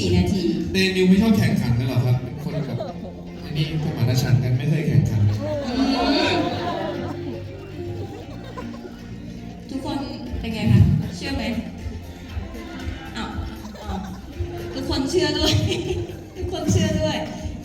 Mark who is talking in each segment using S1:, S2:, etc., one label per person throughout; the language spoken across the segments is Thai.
S1: 4 นาที
S2: เดนิวไม่ชอบแข่งขันกันหรอครับเป็นคนแบบอันนี้สมานฉันท์กันไม่เคยแข่งขัน
S1: ทุกคนเป็นไงคะเชื่อไหมอ้าวทุกคนเชื่อด้วย ทุกคนเชื่อด้วย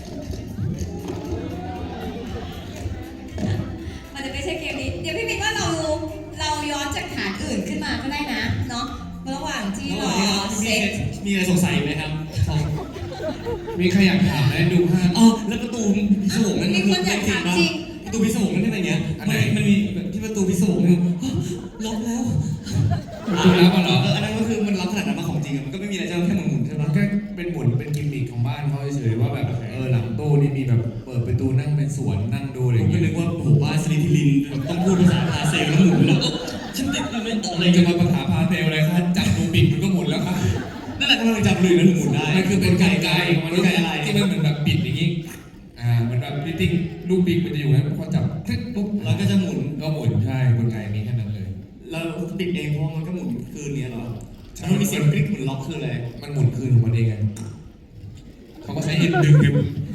S1: มันจะไม่ใช่เกมนี้เดี๋ยวพี่มินว่าเราย้อนจากฐานอื่นขึ้นมาก็ได้นะเนาะระหว่างที่รอเซ็ต
S3: มีอะไรสงสัยไหมครับ
S2: มีใครอยากถามไหมดูภาพ
S3: อ๋อแล้วประตูพิศวงนั่น
S1: มีคนอยากถามจริง
S3: ประตูพิศวงนั่นเป็นอะไรเงี้ยมันมีที่ประตูพิศวงนี่ล็อกแล้ว
S2: ดูแล้วเหรอ
S3: อันนั้นก็คือมันล็อกขนาดนั้นมาของจริงมันก็ไม่มีอะไรจะแค่หมุนใช่ไหม
S2: แค่เป็นหมุนเป็นกิมมิคของบ้านเขาเฉยๆว่าแบบหลังตู้นี่มีแบบเปิดประตูนั่งเป็นสวนนั่งดูอะไรอย่าง
S3: ก็
S2: เงี้ย
S3: นึกว่าโอ้โหบ้านสลิทิลินต้องพูดภาษาพาเซลแล้วหมุนแล้วฉันติดอะไร
S2: อะไรจะมาปัญหาพาเทลอะไรครับจับดูปิดมันก็หมุนแล้วครับ
S3: นั่นแหละกำลังจับเลยแล้วหมุนได้
S2: มันคือเป็นไกล
S3: มันไกลอะไร
S2: ที่มันเหมือนแบบปิดอย่างงี้มันแบบพิติ้งลูกปิงมันจะอยู่นะพอจับคลิกปุ๊บ
S3: แล้วก็จะหมุน
S2: ใช่กลไกนี้แค่นั้นเลย
S3: เราติดเองเพราะมันก็หมุนคืนนี้เหรอมันมีเสียงคลิกหมุนล็อกคืออะไร
S2: มันหมุนคืนของมันเองไงเขาก็ใช้เอ็นดึงดึง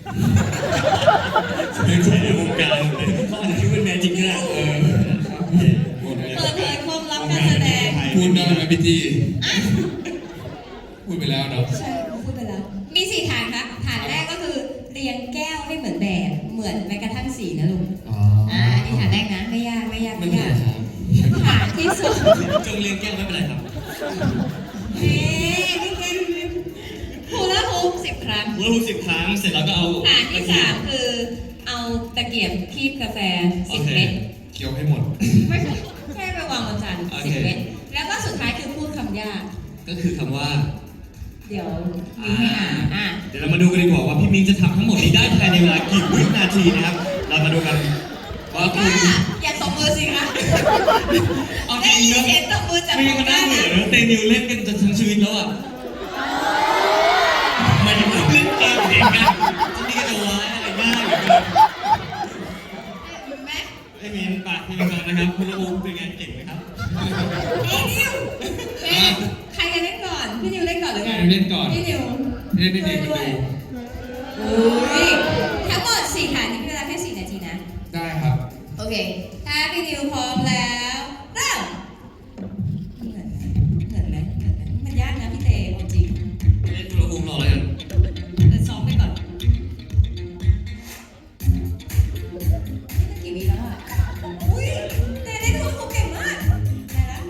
S3: ไม่ใช่ในวงการเขาอาจจะคิดว่าแมจิกก็ได้
S1: เปิดเผยความลับการแสดง
S2: พูดได้ไหมพี่จีพูดไปแล้วเนาะ
S1: ใช่พูดไปแล้วมี4 ฐานครับฐานแรกก็คือเรียงแก้วให้เหมือนแบบเหมือนแม้กระทั่งสีนะลุงนี่ฐานแรกนะไม่ยากฐานที่สุด
S3: จงเรียงแก้วไม่เป็นไรครับ
S1: นี่แก้วฮูลาฮูป10 ครั้ง
S3: ฮูลาฮูป10 ครั้งเสร็จแล้วก็เอา
S1: ฐานที่3คือเอาตะเกียบคีบกาแฟ10 เม็ด
S2: เคี้ยวให้หมด
S1: ไม่แค่ไปวางบนจาน10 เม็ดแล้วก็สุดท้ายคือพูดคำยาก
S3: ก็คือคำว่า
S1: เดี๋ยวมีให้อ่าน
S3: เดี๋ยวเรามาดูกันดีกว่าว่าพี่มิ้งจะทำทั้งหมดนี้ได้ภายในเวลากี่วินาทีนะครับเรามาดูกันว่าคุณ
S1: อย่าตบมือสิคะ
S3: เอาจริงนะ
S1: เสียงตบมือจาก
S3: ไม่ก็น่าเบื่อนะเตนิวเล่นกันจนทั้งชีวิตแล้วอ่ะมันยังเล่นเกมเองกันนี่ก็จะว้ายอะไรง่ายอยู่เลยไอ้มิ้นปากพี่มิ้งก่อนนะครับคุณลูกเป็นไงเก่งไหมครับ
S1: นิวใครจะเล่นก่อนพี่นิวเล่นก่อนหรือไง
S2: เล่นก่อน
S1: พี่นิว
S2: เล่นดีๆ
S1: ด้วยทั้งหมด4 ฐานนี้เป็นเวลาแค่4 นาทีนะ
S2: ได้ครับ
S1: โอเคถ้าพี่นิวพร้อมแล้วเริ่มเหมือนไหมมันยากนะพี่เต้จริง
S3: เล่นตัวอุ้มรอเลย
S1: กันซ้อมไปก่อนกี่วิแล้วอ่ะอุ้ยเต้เล่นเขาเก่งมากได้แล้ว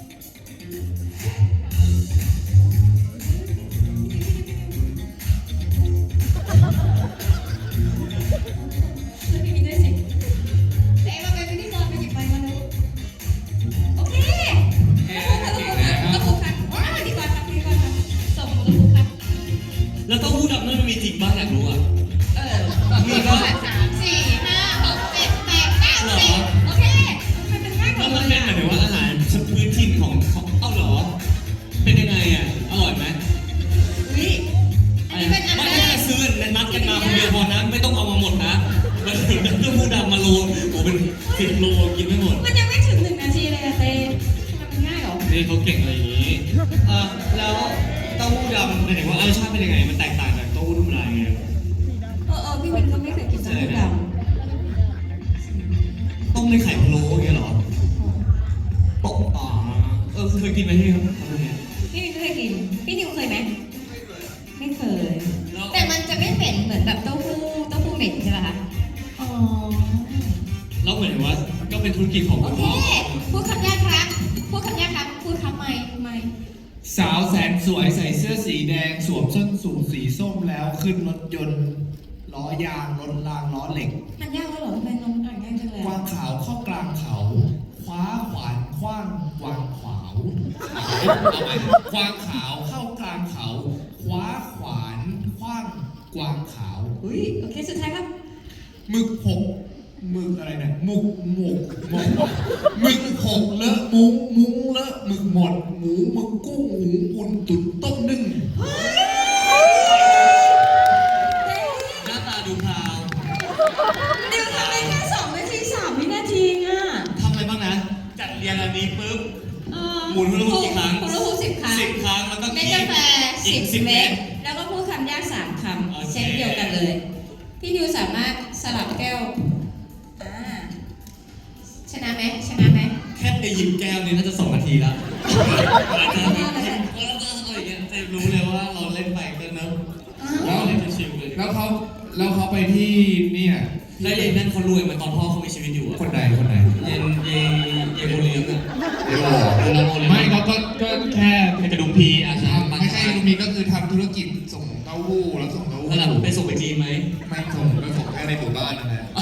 S3: แล้วเต้าหู้ดำนั่นมันมีจริงบ้างอยากรู้อ่ะ
S1: มีก็3 4 5 6 7 8 9 10โอเคมันเป็นง่ายกว่า
S3: มันเป็นหมายถึงว่าอาหารพื้นถิ่นของเอาเหรอเป็นยังไงอ่ะอร่อยไหม
S1: อันนี้เป็นอันแรก
S3: ซื้อนัดกันมาคนเดียวพอนะไม่ต้องเอามาหมดนะมันถึงเต้าหู้ดำมาโลโอ้เป็น10 โลกินไม่หมด
S1: มันยังไม่ถึง1 นาทีเลยอะเต้มันง่ายหรอ
S3: นี่เขาเก่งอะไรอย่างนี้แล้วเต้าหู้ดำหมายถึงว่ารสชาติเป็นยังไงมันแตกต่างจากเต้าหู้ธรรมดาไง
S1: พี่มินก็ไม่เคยกินเต้าหู้ด
S3: ำต้มในไข่พะโล้อย่างเงี้ยเหรอตกเคยกินไหมพี่ครับ
S1: พี่มินเคยกินพี่นิวเคยไหมไม่เคยแต่มันจะไม่เหม็นเหมือนแบบเต้าหู้เหม็นใช่ไหมคะ
S3: แล้วเหมือนว่าก็เป็นธุรกิจของ
S1: โอเคพูดคำยากครับพูดคำไม่
S2: สาวแสนสวยใส่เสื้อสีแดงสวมส้นสูงสีส้มแล้วขึ้นรถยนต์ล้อยางรถรางล้อเหล็ก
S1: มันยากแล้วเหรอทำไมน้องอ่านง่ายจังเลย
S2: กวางขาวเข้ากลางเขาคว้าขวานคว้างกวางขาวเอาไหมกวางขาวเข้ากลางเขาคว้าขวานคว้างกวางขาว
S1: โอเคสุดท้ายครับ
S2: หมึกอะไรเนี่ยหมึกหกเลอะมุ้งเลอะหมึกหมดหมูหมึกกุ้งหมูอุ่นตุ๋นต้มนึ่ง
S3: หน้าตาดูพราว
S1: เดี๋ยวทำได้แค่2 นาที 3 วินาทีอ่ะ
S3: ทำอะไรบ้างนะจัดเรียงอันนี้ปุ๊บหมุนฮูลาฮูปกี่ครั้ง
S1: ฮูลาฮูป10 ครั้ง
S3: 10 ครั้งแล้วก็
S1: เม็ดกาแฟ10 เม็ดแล้วก็พูดคำยาก3คำเช่นเดียวกันเลย พี่นิวสามารถสลับแก้วชนะไหมชนะไหม
S3: แค่ไปหยิบแก้วนี่น่าจะ2 นาทีแล้วอาจจะแบบหยิบแล้วก็อะไรอย่างเงี้ยจะรู้เลยว่าเราเล่นไปก็เนอะเราเล่นชิวๆเลย
S2: แล้วเขาไปที่เนี่ย
S3: แล้วเย็นนั่นเขารวยมาตอนพ่อเขามีชีวิตอยู่อะ
S2: คนไหน
S3: เย็นโมเลียมอะ
S2: เดี๋ยวไม่ก็แค่
S3: เป็นกระดุมพีอาชา
S2: ไม่ใช่ลูกมีก็คือทำธุรกิจส่งเต้าหู้แล้วส่งเต้าหู้
S3: ระดับไปส่งไปจีนไหม
S2: ไม่ส่งก็ส่งแค่ในหมู่บ้านนั่นแหละ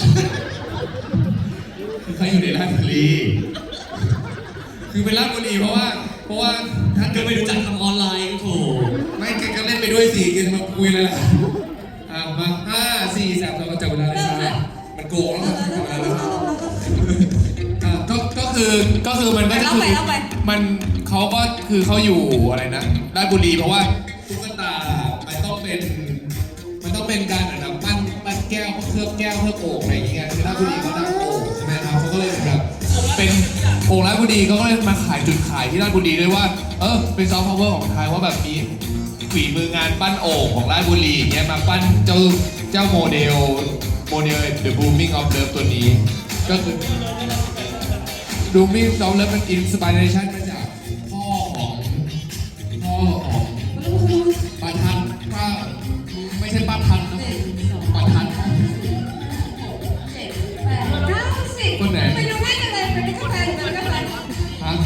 S2: คือเขาอยู่ในราชบุรีคือเป็นราชบุรีเพราะว่าท่าน
S3: ก็ไม่รู้จักทำออนไลน์ก็โถ
S2: ไม่แกก็เล่นไปด้วยสิแกจะมาคุยเลยล่ะมา5 4 3 2ก็จับเวลาเลยครับมันโกงแล้วจับเวลาเลยก็คือมันก็จะคือมันเขาก็คือเขาอยู่อะไรนะราชบุรีเพราะว่าตุ๊กตามันต้องเป็นการเหมือนแบบปั้นแก้วเคลือบแก้วเคลือบโอ่งอะไรอย่างเงี้ยคือราชบุรีเขาดังโอ่งใช่ไหมครับเขาก็เลยแบบเป็นโอ่งราชบุรีเขาก็เลยมาขายจุดขายที่ราชบุรีด้วยว่าเป็นซอฟต์พาวเวอร์ของไทยว่าแบบมีฝีมืองานปั้นโอ่งของราชบุรีอย่างเงี้ยมาปั้นเจ้าโมเดล The Booming of Love ตัวนี้ก็คือ Booming of Love เป็นอินสปิเรชันมาจากพ่อของปาทันป้าไม่ใช่ป้าทันนะปาทัน คนไหน
S1: ไปดูไม่กันเลยไปดูกาแฟไปดูกาแฟ
S2: ฮะ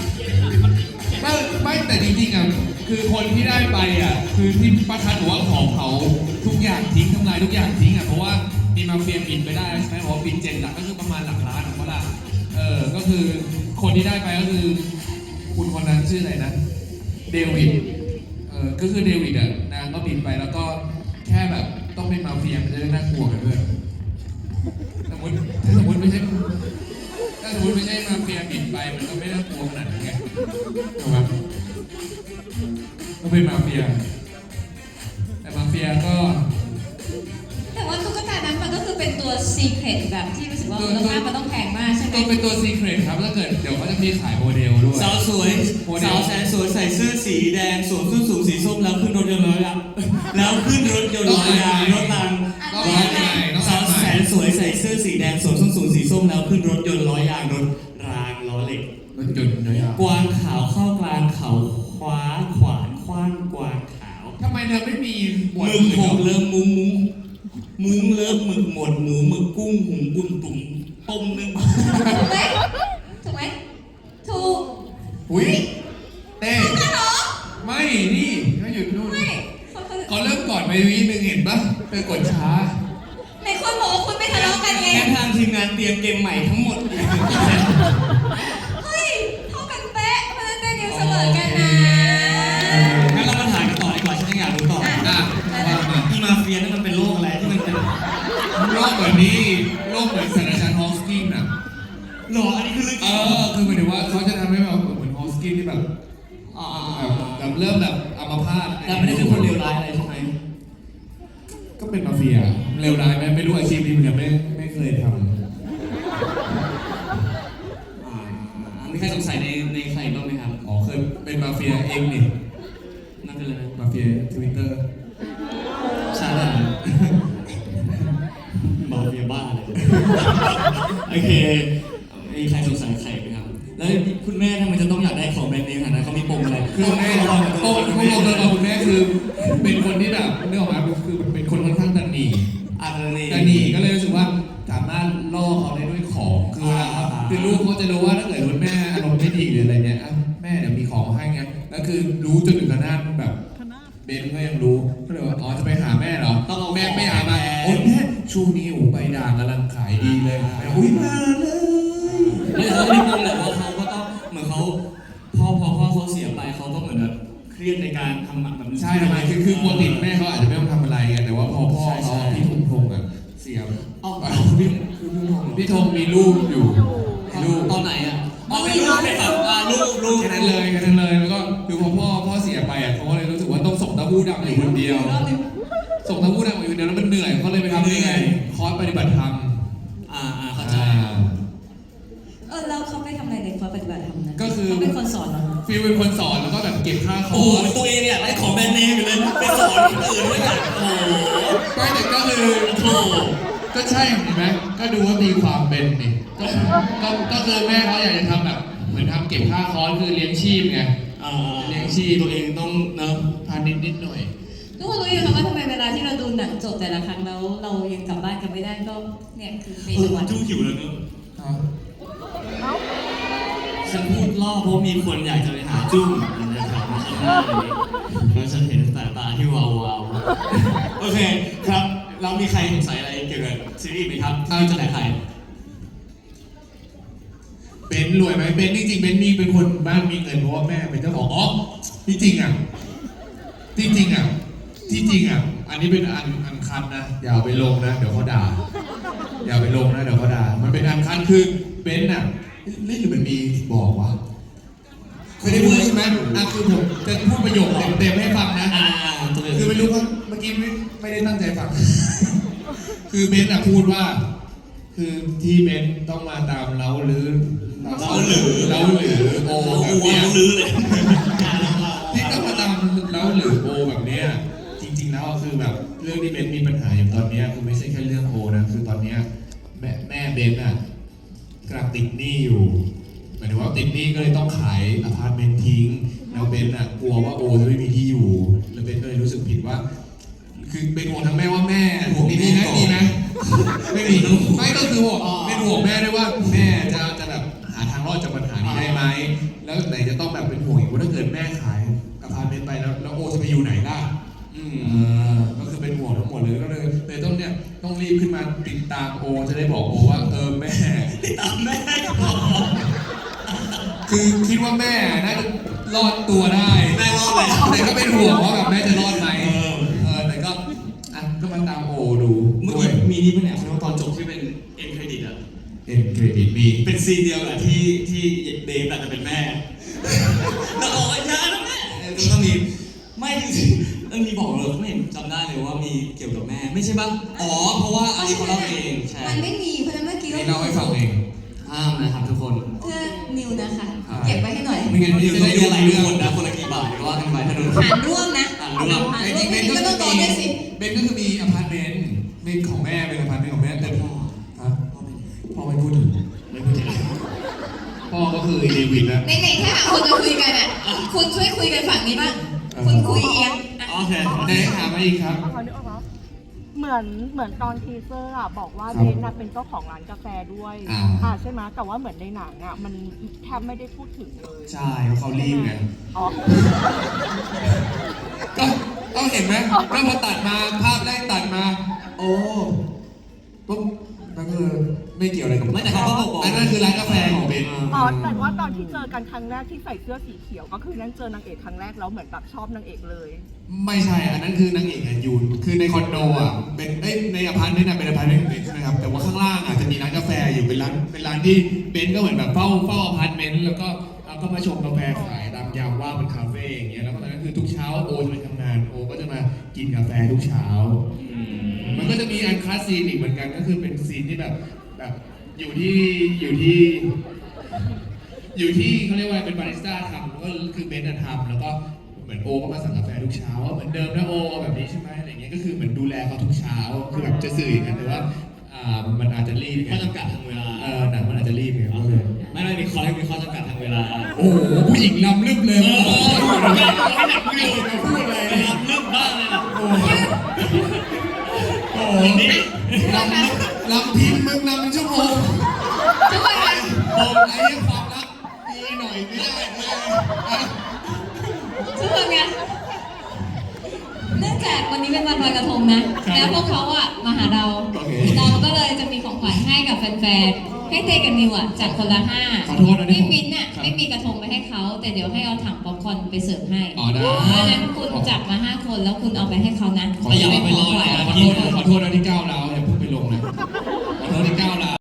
S2: ไม่แต่จริงๆอ่ะคือคนที่ได้ไปอ่ะคือที่ป้าทันบอกว่าขอเผาทุกอย่างทิ้งทำลายทุกอย่างทิ้งอ่ะเพราะว่ามีมาเฟียบินไปได้ใช่ไหมบอกว่าบิน7 หลักก็คือประมาณหลักล้านของเขาละก็คือคนที่ได้ไปก็คือคุณคนนั้นชื่ออะไรนะเดวิดก็คือเดวิดอ่ะนางก็บินไปแล้วก็แค่แบบต้องเป็นมาเฟียมันจะได้น่ากลัวกันด้วยถ้าสมมติไม่ใช่มาเฟียบินไปมันก็ไม่น่ากลัวขนาดนั้นไงถูกไหมก็เป็นมาเฟียแต่มาเฟียก็
S1: แต่ว่าตุ๊กตานั้นมันก็คือเป็นตัวซีเครตแบบที่รู้สึกว่ามูลค่ามันต้องแพงมากใช่ไหม
S2: ตัวเป็นตัวซีเครตครับถ้าเกิดเดี๋ยวเขาจะมีขายโมเดลด้วย
S3: สาวสวยสาวแสนสวยใส่เสื้อสีแดงสวมส้นสูงสีส้มแล้วขึ้นรถยนต์ร้อยยางแล้วขึ้นรถยนต์ร้อยยางรถรางสาวแสนสวยใส่เสื้อสีแดงสวมส้นสูงสีส้มแล้วขึ้นรถยนต์ร้อยยางรถรางล้อเหล็ก
S2: รถยนต์น้อย
S3: กวางขาวเข้ากลางเขาคว้าขวานคว้างกวางขาว
S2: ทำไมเธอไม่มีหมวด
S3: มึงหกเริ่มมุ้งเริ่มหมึกหมดหมูหมึกกุ้งหุงกุ่นตุ๋มต้มนึ่ง
S1: ถูกไหมถูกไหมถูก
S2: อุ้ยเต้ไม่นี่เขาหยุดนู่น
S1: ไม่
S2: เขาเริ่มก่อนไปวินึงเห็นปะเธอกดช้า
S1: ในคนบอกว่าคุณไม่ทะเลาะกันไง
S3: แค่ทางทีมงานเตรียมเกมใหม่ทั้งหมด
S1: เฮ้ยเท่ากันเป๊ะเพราะฉะนั้นเต้นิวเสมอกันนะ
S3: งั้นเรามาถ่ายกันต่อดีกว่าฉันยังอยากรู้ต่อ
S2: อ่ะว่ามา
S3: อีมาเฟียนั่นมันเป็นโรคอะไรที่มันเป็น
S2: โรคแบบนี้โรคเหมือนศาสตราจารย์ฮอสกินอ่ะ
S3: หรออันนี้คือเรื่องจริง
S2: คือหมายถึงว่าเขาจะทำให้แบบเหมือนฮอสกินที่แบบ
S3: อ๋อ
S2: แบบเริ่มแบบอัมพาต
S3: แต่ไม่ได้เป็นคนเลวร้ายอะไรใช่ไหม
S2: ก็เป็นมาเฟียเร็วร้ายไหมไม่รู้อาชีพนี้เหมือนกันไม่เคยท
S3: มีใครสงสัยในใครบ้างไหมครับ
S2: ำอ๋อเคยเป็นมาเฟียเองนี่
S3: นั่นเป็นอะไรนะ
S2: มาเฟียทวิตเตอร์
S3: ใช่ไหมมาเฟียบ้าเลยโอเคมีใครสงสัยใครไหมครับ แล้วคุณแม่ทำไมจะต้องอยากได้ของแบรนด์เนมขนาดนั้นเขามีปมอะไร
S2: คือแม่โต้คุณแม่คือเป็นคนที่แบบเรื่องออกมาคือเป็นคนค่อนข้างตันหนี แต่หนีก็เลยรู้สึกว่าสามารถล่อเขาได้ด้วยของคือเวลาเขาคือลูกเขาจะรู้ว่าถ้าเกิดคุณแม่อารมณ์ไม่ดีหรืออะไรเนี้ยแม่เดี๋ยวมีของให้ไงแล้วคือรู้จนถึงขนาดแบบเบนก็ยังรู้ก็เลยว่าอ๋อจะไปหาแม่เหรอแม่ไม่หามาโอ๊ยแม่ช่วงนี้โอ้ใบด่างกำลังขายดีเลยอุ้ยมาเลย
S3: ไม่เขาไม่ปมแหละว่าเขาก็ต้องเหมือนเขาพอเขาเสียไปเขาก็เหมือนแบบเครียดในการทำแบบ
S2: ใช่ทำไมคือปกติแม่เขาอาจจะไม่ต้องทำอะไรไงแต่ว่าพอพ่อเขาพี่ธงอ่ะเสีย
S3: อ๋อพี่ธง
S2: พี่ธงมีลูกอยู่ลูก
S3: ตอนไหนอ่ะอ๋อเป็นลูกเป็นแบบลูก
S2: แค่นั้นเลยแล้วก็คือพอพ่อเสียไปอ่ะเขาก็เลยรู้สึกว่าต้องส่งเต้าหู้ดำอยู่คนเดียวส่งเต้าหู้ดำอยู่คนเดียวแล้วมันเหนื่อยเขาเลยไปทำนี่ไงคอร์สปฏิบัติธรรม
S3: เข้าใจ
S1: แล้วเขาไปทำอะไรในคอร์สปฏิบัติธรรมนั้น
S2: ก็คือ
S1: เขาเป็นคนสอนเหรอ
S2: ฟฟิลเป็นคนสอนแล้วก็แบบเก็บค่าค
S3: โอ้
S2: อ
S3: โห
S2: ร์ส
S3: ตัวเองเนี่ยไอ้ของแบรนด์เนมอยู่เลยไปสอนคนอื่นด้วยกันโอ้โห
S2: ไม่แต่ก็คือ
S3: โอ้โห
S2: ก็ใช่เห็นไหมก็ดูว่าตีความเป็นนี่ก็คือแม่เขาอยากจะทำแบบเหมือนทำเก็บค่าคอร์สคือเลี้ยงชีพไง
S3: เลี้ยงชีพตัวเองต้องเนอะ
S2: พานิดนิดหน่อย
S1: ทุกคนรู้อยู่ค่ะว่าทำไมเวลาที่เราดูหนังจบแต่ละครั้งแล้วเรายังกลับบ้านกันไม่ได้ก็เนี่ยคือเมนูวัน
S3: จู้หิวแล้วเนอะ
S2: อ๋อ
S3: ฉันพูดล่อเพราะมีคนอยากจะไปหาจุ้งนะครับแล้วฉันเห็นสายตาที่วาวๆโอเคครับเรามีใครสงสัยอะไรเกี่ยวกับซีรีส์ไหมครับที่จะไหนใคร
S2: เบนซ์รวยไหมเบนซ์จริงๆเบนซ์มีเป็นคนบ้านมีเงินเพราะว่าแม่เป็นเจ้าของอ๋อที่จริงอ่ะอันนี้เป็นอันคันนะอย่าเอาไปลงนะเดี๋ยวเขาด่าอย่าไปลงนะเดี๋ยวเขาด่ามันเป็นอันคันคือเบนซ์อ่ะเล่นหรือมันมีบอกวะเคยได้พูดใช่ไหมคือผมจะพูดประโยคเต็มๆให้ฟังนะ
S3: ตัวเอง
S2: คือไม่รู้ว่าเมื่อกี้ไม่ได้ตั้งใจฟัง คือเบนซ์อะพูดว่า คือที่เบนซ์ต้องมาตามเล้าหรือโอ
S3: เรา
S2: แบบ
S3: อ้ว
S2: เนี้ย
S3: นลื้อเลย
S2: ที่ต้องมาตามเล้าหรือโอแบบเนี้ยจริงๆแล้วคือแบบเรื่องที่เบนซ์มีปัญหาอยู่ตอนเนี้ยคือไม่ใช่แค่เรื่องโอนะคือตอนเนี้ยแม่เบนซ์อะกำลังติดหนี้อยู่หมายถึงว่าติดหนี้ก็เลยต้องขายอพาร์ตเมนต์ทิ้งแล้วเบนซ์อะกลัวว่าโอจะไม่มีที่อยู่แล้วเบนซ์ก็เลยรู้สึกผิดว่า คือเป็นห่วงทั้งแม่ว่าแม่ห่วงดีนะดีนะไม่มีไม่ก็คือห่วงเป็นห่วงแม่ด้วยว่าแม่จะแบบหาทางรอดจากปัญหานี้ได้ไหมแล้วไหนจะต้องแบบเป็นห่วงอีกว่าถ้าเกิดแม่ขายอพาร์ตเมนต์ไปแล้วโอจะไปอยู่ไหนล่ะก็คือเป็นห่วงทั้งหมดเลยก็เลยต้องรีบขึ้นมาติดตามโอจะได้บอกโอว่าแม่
S3: ติดตามแม่
S2: คือคิดว่าแม่น่าจะรอดตัวได้
S3: แม่รอดเลย
S2: แต่ก็เป็นห่วงว่าแบบแม่จะรอดไหมแต่ก็ก็มาตามโอดู
S3: เมื่อ
S2: ด้ว
S3: กี้
S2: ย
S3: มีนี่ปะเนี่ยตอนจบที่เป็นเอ็นเครดิตอะ
S2: เป็นเครดิตมี
S3: เป็นซีนเดียวกับที่เดฟอาจจะเป็นแม่แล้วบอกว่าอย่านะแม่ก็มีไม่จริงๆเรื่องนี้บอกเลยไม่เห็นจำได้เลยว่ามีเกี่ยวกับแม่ไม่ใช่ปะอ๋อเพราะว่าอันนี้เขาเล่าเองใช่
S1: มันไม่มีเพราะฉะนั้นเมื่อกี้
S2: นี่เล่าให้ฟังเอง
S3: ห้ามนะครับทุกคน
S1: เพื่อนิวนะคะเก็บไว้ให้หน่อย
S2: ไม่งั้น
S3: นี่
S2: จะ
S3: จะ
S2: ได้
S3: ได้
S2: ดู
S3: อะไร
S2: เรื่
S3: ทุ
S2: อก ง
S3: คนนะคนละกี่บาทก็ว่ากันไปถ้าโดน
S1: หารร่วมนะ
S3: อ่านร่วม
S1: หาร
S2: จ
S1: ร่
S2: ริ
S1: ว
S2: ง
S1: ม
S2: ๆเบน
S1: ก็
S2: ก็
S1: ต้องโดนด้วยสิ
S2: เบนก็คือมีอพาร์ตเมนต์เป็นของแม่เป็นอพาร์ตเมนต์ของแม่แต่พ่อไม่พูดถึงพ่อก็คือเดวิดนะ
S1: ในถ้าหากคนจะคุยกันอ่ะคุณช่วยคุยกันฝั่งนี้บ้างคุณคุยเอียงอ่ะ
S3: โอเค
S2: ไหนถามมาอีกครับ
S4: เหมือนตอนทีเซอร์อ่ะบอกว่า
S2: ครับ
S4: เบนน่ะเป็นเจ้าของร้านกาแฟด้วย ใช่ไหมแต่ว่าเหมือนในหนังอ่ะมันแทบไม่ได้พูดถึงเลย
S2: ใช่เพราะเขารีบไง
S4: อ๋อ
S2: ก็ต้องเห็นไหมก็พอตัดมาภาพแรกตัดมา โอ้ปุ๊บก็คือไม่เกี่ยวอะไรกับ
S3: ไม่แต่เขาก็บอก
S2: อันนั้นคือร้านกาแฟของเบน
S4: อ๋อแต่ว่าตอนที่เจอกันครั้งแรกที่ใส่เสื้อสีเขียวก็คือนั่นเจอนางเอกครั้งแรกแล้วเหมือนแบบชอบนางเอกเลย
S2: ไม่ใช่ อันนั้นคือนางเอกอะอยู่คือในคอนโดอ่ะเป็นในอพาร์ตเมนต์อะเป็นอพาร์ตเมนต์ของเบนใช่ไหมครับแต่ว่าข้างล่างอ่ะจะมีร้านกาแฟอยู่เป็นร้านที่เบนก็เหมือนแบบเฝ้าอพาร์ตเมนต์แล้วก็มาชงกาแฟขายตามยามว่างเป็นคาเฟ่อย่างเงี้ยแล้วก็ตอนนั้นคือทุกเช้าโอจะไปทำงานโอก็จะมากินกาแฟทุกเช้า มันก็จะมีอันคลาสซีนอีกเหมือนกันก็คือเป็นซีนที่แบบอยู่ที่เขาเรียกว่าเป็นบาริสต้าทำก็คือเบนซ์ทำแล้วก็เหมือนโอก็มาสั่งกาแฟทุกเช้าเหมือนเดิมนะโอแบบนี้ใช่ไหมอะไรเงี้ยก็คือเหมือนดูแลเขาทุกเช้าคือแบบจะสื่ออย่างนั้นแต่ว่ามันอาจจะรีบไง
S3: ข้อจำกัดทางเวลา
S2: หนังมันอาจจะรีบไงก็เลย
S3: ไม่มีข้อจำกัดทางเวลา
S2: โอ้โหผู้หญิงลำลึกเลย
S3: ให้หนักไม่รู้พูดเลยนะครับเรื่องบ้างเลยนะ
S2: โอ้โหลำพิมพ์มึงลำเป็นชั่วโมง
S1: ทุกคนคะ
S2: ผมไอ้ความรักดีหน่อยไม่ได้เลย
S1: ทุกคนคะเนื่องจากวันนี้เป็นวันลอยกระทงนะ แล้วพวกเขาอ่ะมาหาเรา เราก็เลยจะมีของขวัญให้กับแฟนๆ ให้เตกับนิวอ่ะจัดคนละ5
S2: ขอโทษนะ
S1: พี่มิ้นท์อ่ะไม่มีกระทงไปให้เขาแต่เดี๋ยวให้เอาถังป๊อปคอร์นไปเสิร์ฟให้
S2: อ๋อได้
S1: เพราะฉะนั้นคุณจับมา5 คนแล้วคุณเอาไปให้เขานะ
S3: แต่อย่าเอาไปลอยนะ
S2: ขอโทษนะที่ก้าวเราอย่าเพิ่งไปลงนะขอโทษที่ก้าวเรา